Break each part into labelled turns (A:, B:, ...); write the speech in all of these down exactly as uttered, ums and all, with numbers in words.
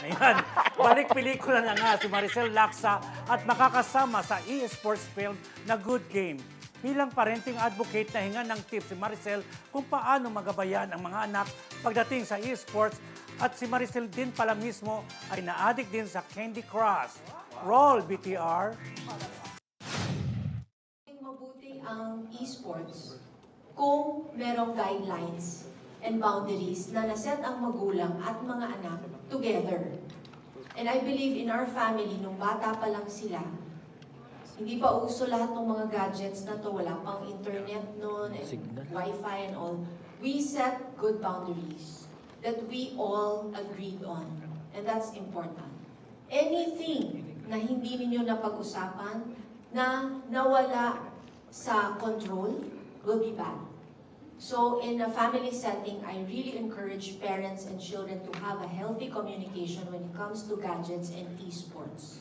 A: Ayan, balik pelikula na nga si Maricel Laksa at makakasama sa e-sports film na Good Game. Bilang parenting advocate na hinga ng tips si Maricel kung paano magabayan ang mga anak pagdating sa e-sports at si Maricel din pala mismo ay na-addict din sa Candy Crush. Roll, B T R!
B: Mabuti ang esports kung merong guidelines and boundaries na naset ang magulang at mga anak together. And I believe in our family, nung bata pa lang sila, hindi pa uso lahat ng mga gadgets na to, wala pang internet noon, and Wi-Fi and all. We set good boundaries that we all agreed on. And that's important. Anything na hindi ninyo napag-usapan, na nawala sa control, will be bad. So in a family setting, I really encourage parents and children to have a healthy communication when it comes to gadgets and esports.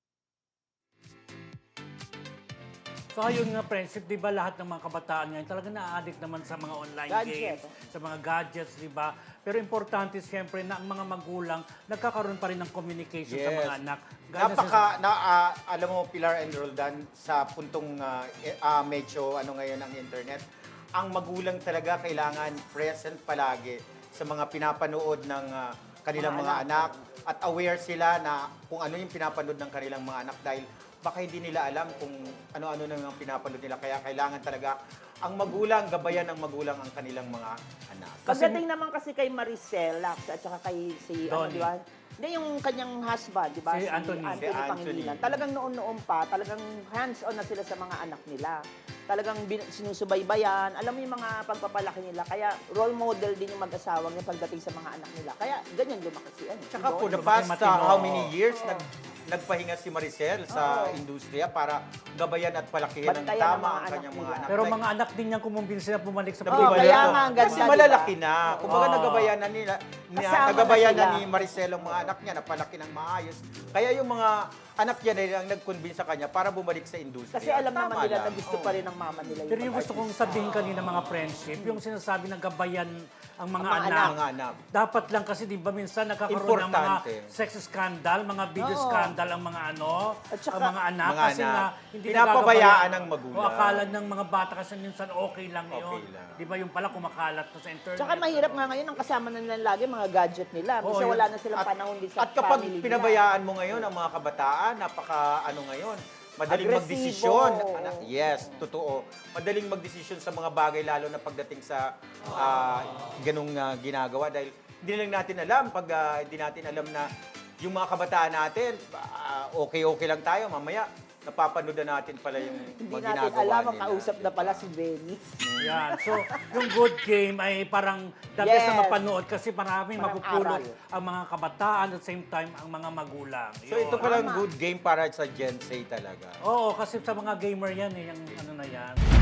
A: So ayun nga, friendship, di ba lahat ng mga kabataan ngayon talaga na-addict naman sa mga online
C: Gadget.
A: games, sa mga gadgets, di ba? Pero importante siyempre na ang mga magulang nagkakaroon pa rin ng communication sa mga anak. Gaya na
D: Napaka, na, ah, alam mo, Pilar and Roldan, sa puntong uh, uh, medyo ano ngayon ang internet, ang magulang talaga kailangan present palagi sa mga pinapanood ng uh, kanilang mga, mga anak. anak at aware sila na kung ano yung pinapanood ng kanilang mga anak dahil baka hindi nila alam kung ano-ano na yung pinapanood nila. Kaya kailangan talaga ang magulang, gabayan ng magulang ang kanilang mga anak.
C: Pagdating naman kasi kay Maricel Laksa at saka kay si ano,
A: Donnie.
C: di ba? Hindi, yung kanyang husband, di ba?
A: Si Anthony.
D: Si Anthony.
C: Pangilinan. Talagang noon-noon pa, talagang hands-on na sila sa mga anak nila. Talagang bin- sinusubaybayan. Alam mo yung mga pagpapalaki nila. Kaya role model din yung mag-asawa niya pagdating sa mga anak nila. Kaya ganyan lumaki si ano.
D: Tsaka
C: si
D: for the
C: Donnie.
D: past
A: Matino.
D: uh, how many years, nag, nagpahinga si Maricel sa industriya para gabayan at palakihin ng
C: Bantayan ang
D: tama
C: mga
D: ang
C: anak
D: kanyang mga
C: nila.
D: anak.
A: Pero
D: Like,
A: mga anak din niyang kumumbinsi na bumalik sa
C: Oo,
D: Bumalik
C: kaya
D: ako.
C: nga, ang ganda,
D: Kasi
C: di ba?
D: malalaki na. Kumbaga
A: Oo.
D: nagabayan na nila, na,
C: Kasama na
D: nagabayan na,
C: sila.
D: ni Maricel ang mga anak niya, napalaki ng maayos. Kaya yung mga anak niya na ang nag-convince sa kanya para bumalik sa industriya.
C: Kasi alam
D: Tama
C: naman nila
D: lang.
C: na gusto
D: Oo.
C: pa rin ng mama nila.
A: Pero yung gusto kong sabihin kanina mga friendship, yung sinasabi na gabayan ang mga
C: Ang mga
A: anak.
D: Mga anak.
A: Dapat lang kasi di ba minsan nagkakaroon ng mga
D: Importante.
A: sex scandal, mga video
C: Oo.
A: scandal ang mga ano,
C: At saka-
A: ang mga anak.
D: Mga
A: kasi
D: anak.
A: nga hindi
D: Pinapabayaan
A: nagagabayan.
D: ng magulang.
A: O akala ng mga bata kasi minsan okay lang
D: Okay
A: yun.
D: lang.
A: Di ba yung pala kumakalat na sa internet.
C: Tsaka mahirap nga ngayon ang kasama na nila lagi mga gadget nila. Kasi
A: Oo,
C: wala
A: yun.
C: na silang panahon din sa
D: At kapag
C: family nila.
D: pinabayaan mo ngayon ang mga kabataan, napaka ano ngayon, madaling
C: Agresibo.
D: magdesisyon. Anak, yes, totoo. Madaling magdesisyon sa mga bagay lalo na pagdating sa ah, ganung ah, ginagawa dahil hindi lang natin alam pag ah, hindi natin alam na yung mga kabataan natin, ah, okay-okay lang tayo, mamaya napapanood na natin pala yung
C: Hindi
D: mga
C: natin
D: ginagawa
C: alam, ang
D: nila.
C: kausap na pala si Benny.
A: Yan. So, yung good game ay parang the best na
C: Yes.
A: mapanood kasi maraming
C: Parang
A: mapupulot
C: aral.
A: ang mga kabataan at same time ang mga magulang.
D: So
A: Yun.
D: ito palang good game para sa Gen Z talaga.
A: Oo, kasi sa mga gamer yan eh, yung ano na yan.